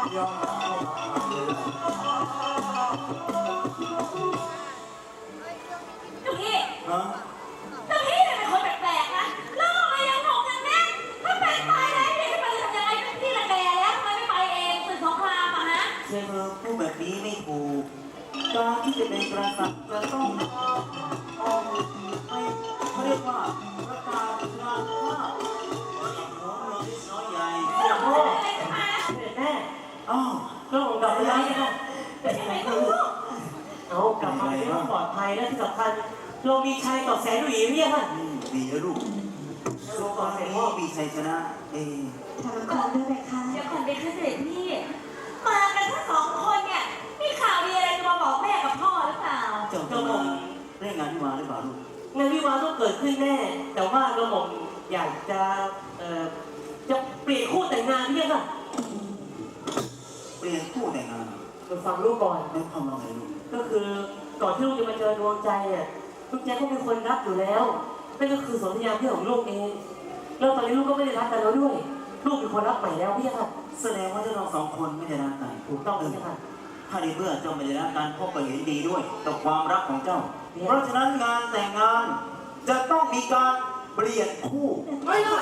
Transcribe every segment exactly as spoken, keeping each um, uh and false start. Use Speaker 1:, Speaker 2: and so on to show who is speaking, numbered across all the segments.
Speaker 1: ยอมรับเข้ามาเลย
Speaker 2: เจ้าพี่
Speaker 1: ฮะ
Speaker 2: เจ้าพี่เนี่ยเป็นคนแปลกๆนะแล้วทำไมยังหนุ่มยังแน่นถ้าเป็นตายแล้วเนี่ยมันจะทำยังไงพี่ละแกแล้วทำไมไม่ไปเองศึกสงครามอะฮะ
Speaker 1: เธอพูดแบบนี้ไม่ถูกการที่จะเป็นกษัตริย์จะต้องออกให้เขาเรียกว่าประกาศงานว่าหัวเมืองที่น้อยใหญ่
Speaker 2: ไม่ต้องพูดอะไรกันมา
Speaker 3: แม่
Speaker 1: อ้าว
Speaker 3: ก็ผมกลับมาแล้วนะ
Speaker 2: เป็นยังไงก็รู้
Speaker 3: เอากลับมาไม่ต้องปลอดภัยและที่สำคัญเรามีชัยต่อแสนหวีเรียกค่ะ
Speaker 1: อืมดีแล้วลูกโลกนี้มีชัยชนะเอง
Speaker 4: ทำละครด้วยไหมคะ
Speaker 2: เดี๋ยวก่อนไปขึ้นเสด็จพี่มากันทั้งสองคนเนี่ยมีข่าวดีอะไรจะมาบอกแม่กับพ่อหรือเปล่า
Speaker 1: เจ้าจะมาเร่งงานที่มาหรือเปล่าลูก
Speaker 3: งานวิวาห์ต้องเกิดขึ้นแน่ แต่ว่ากระหม่อมอยากจะเอ่อจะเปลี่ยนคู่แต่งงานเรียกค่ะ
Speaker 1: เปลี่ยนคู่แต่งงาน
Speaker 3: ไปฟังลูกก่อน
Speaker 1: แล้วความว่าไงลูก
Speaker 3: ก็คือก่อนที่ลูกจะมาเจอดวงใจเนี่ยลูกแจ๊คก็เป็นคนรักอยู่แล้วนั่นก็คือสนธยาเพื่อนของลูกเองแล้วตอนนี้ลูกก็ไม่ได้รักกันแล้วด้วย ลูกเป็นคนรักใหม่แล้วพี่ค่ะ
Speaker 1: แสดงว่าเจ้าเราสองคนไม่ได้รักกัน
Speaker 3: ถูกต้องพี่ค่ะ
Speaker 1: ถ้าในเมื่อเจ้าไม่ได้รักกันพ่อก็เห็นดีด้วยต่อความรักของเจ้า เพราะฉะนั้นงานแต่งงานจะต้องมีการเปลี่ยนคู่
Speaker 4: ไม่หรอก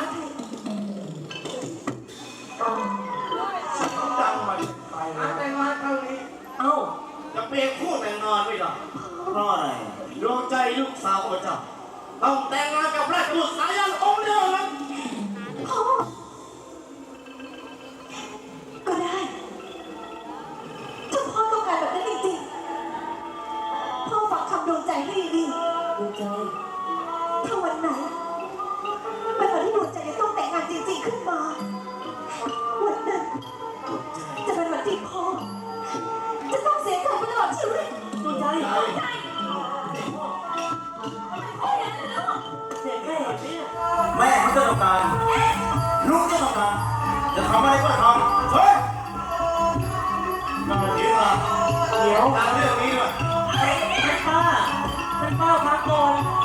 Speaker 5: จังมันไปนะแต่งงานครั้งนี้
Speaker 3: เอ้า
Speaker 5: จะเปลี่ยนคู่แต่งงานไม่ได้
Speaker 1: เพราะอะไร
Speaker 5: ดวงใจลูกสาวของเจ้าต้องแต่งงานกับราชบุตรสายันองค์เดียวนั้น
Speaker 4: พ่อก็ได้ถ้าพ่อต้องการแบบนั้นจริงๆพ่อฟังคำดวงใจให้ดี
Speaker 3: ดวงใจ
Speaker 4: ๆถ้าวันไหนเป็นวันที่ดวงใจจะต้องแต่งงานจริงๆขึ้นมาวันนั้นจะเป็นวันที่พ่อจะต้องเสียใจไปตลอดชีวิต
Speaker 3: ดวงใจ
Speaker 2: ใช่โอ้ยอย่างนั้นลูก
Speaker 3: เจ็บแม่เนี่ย
Speaker 1: แม่เขาจะต้องการลูกจะต้องการจะทำอะไรก็ทำเฮ้ย
Speaker 5: มาเดี๋ยวมา
Speaker 3: เดี๋ยว
Speaker 5: ตามเรื่องนี้ด้วย
Speaker 3: ท่านป้าท่านป้าพักก่อน